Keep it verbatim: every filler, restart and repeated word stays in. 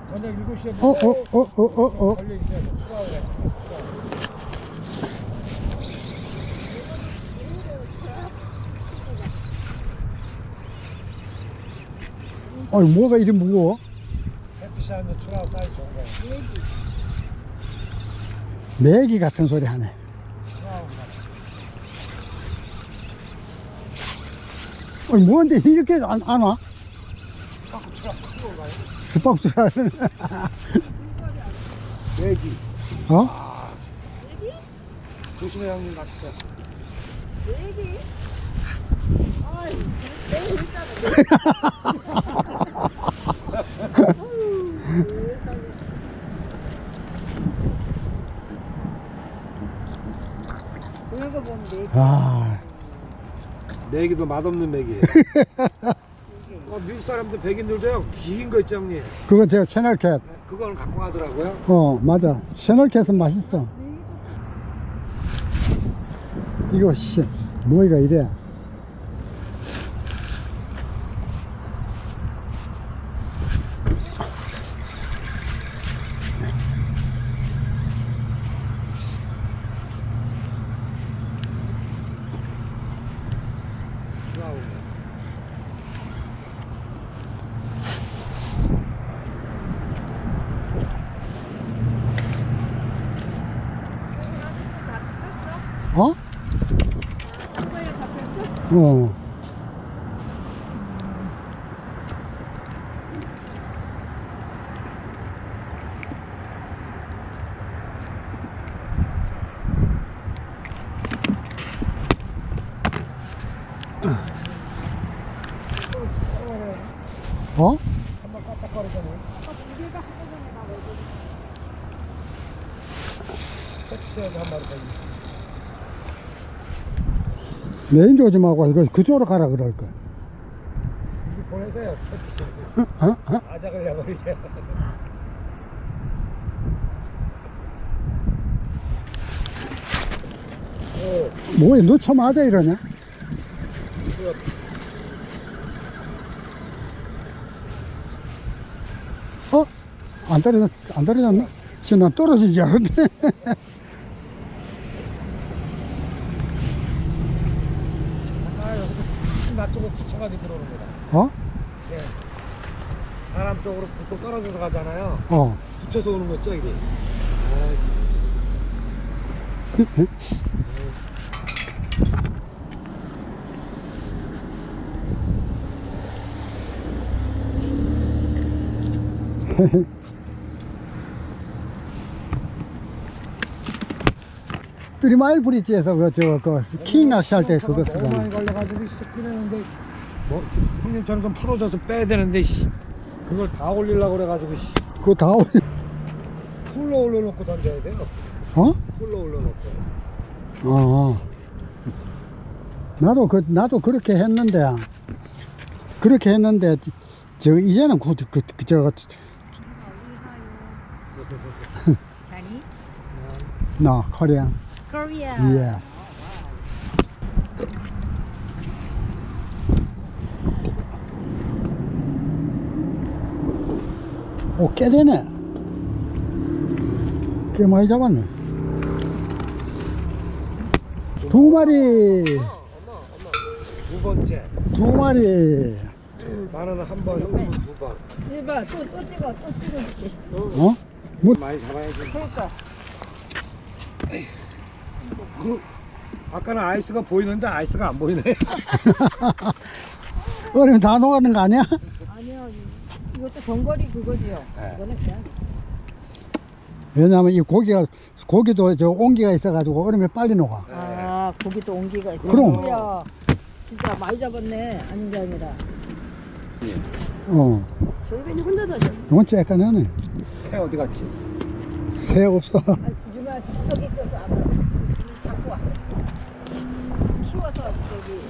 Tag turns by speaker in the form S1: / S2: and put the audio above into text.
S1: 저녁 일곱 시에
S2: 어, 어, 어, 어, 어, 어.
S1: 걸려있어요. 추가하고 가요.
S2: 아니, 뭐가 이리 무거워?
S1: 햇빛이 하면 추가하고 사이 좋은 거예요.
S2: 매기 같은 소리 하네.
S1: 추가하고 가요.
S2: 아니, 뭔데 이렇게 안, 안 와?
S1: 스파크 추가 큰거 가요.
S2: 스박주라는.
S1: 내기.
S2: 어?
S1: 조심해 형님 낚싯대.
S3: 얘기? 아이, 내가 있잖아. 그런 거 보면 내기.
S2: 아,
S1: 내기도 맛없는 맥이에요. 어, 미국 사람들 백인들도요 긴 거 있죠 형님.
S2: 그거 제가 채널캣.
S1: 그거는 갖고 가더라고요.
S2: 어, 맞아. 채널캣은 맛있어. 이거, 씨, 뭐이가 이래.
S1: 추가하고.
S2: 어?
S3: 거에 잡혔어?
S2: 어. 어?
S1: 한번 깜빡거리더니
S3: 무게가 한꺼번에 나오고.
S1: 햇빛에도 한 마리 더 있어.
S2: 메인 조짐하고 이거 그쪽으로 가라 그럴 거.
S1: 이게 보내세요. 햇빛에.
S2: 어? 어?
S1: 아작을 내버리게. 오,
S2: 뭐야, 너 쳐맞아 이러냐? 어? 안 떨어졌, 안 떨어졌나? 지금 난 떨어진 줄 알았네.
S1: 아, 여기서 나 쪽으로 붙여가지고 들어오는 거다.
S2: 어?
S1: 예. 사람 쪽으로 보통 떨어져서 가잖아요.
S2: 어.
S1: 붙여서 오는 거 있죠, 이게.
S2: 쓰리마일 브릿지에서 그, 저, 그, 킹 낚시할 때 그거
S1: 너무
S2: 쓰잖아.
S1: 많이 걸려가지고 씻기는데 뭐 형님처럼 좀 풀어줘서 빼야 되는데 씨. 그걸 다 올리려고 그래가지고 씨.
S2: 그거 다 올려.
S1: 풀로 올려놓고 던져야 돼요.
S2: 어?
S1: 풀로 올려놓고.
S2: 어. 나도 그, 나도 그렇게 했는데, 그렇게 했는데, 저, 이제는 그, 그, 그, 저,
S3: Chinese?
S2: no, Korean.
S3: Korea.
S2: Yes. 오, 꽤 되네. 꽤 많이 잡았네. 두 마리,
S1: 두 번째.
S2: 두 마리.
S1: 나는 한 번, 형님은 두 번.
S3: 이봐, 또, 또 찍어, 또 찍어줄게.
S2: 어? 뭐,
S1: 많이 잡아야지.
S3: 그러니까.
S1: 그 아까는 아이스가 보이는데 아이스가 안 보이네.
S2: 얼음 다 녹아는 거 아니야?
S3: 아니요, 이것도 전거리 그거지요.
S1: 네.
S3: 이거는 그냥.
S2: 왜냐면 이 고기가, 고기도 저 온기가 있어가지고 얼음이 빨리 녹아.
S3: 아, 고기도 온기가 있어.
S2: 그럼.
S3: 뭐야. 진짜 많이 잡았네. 아닌 게 아니라.
S2: 어.
S3: 저희는 혼자 다녔네.
S2: 이건 쬐깐하네.
S1: 새 어디 갔지?
S2: 새 없어.
S3: 아, 주주만 저기 있어서 안 가. 자꾸 와. 키워서 저기.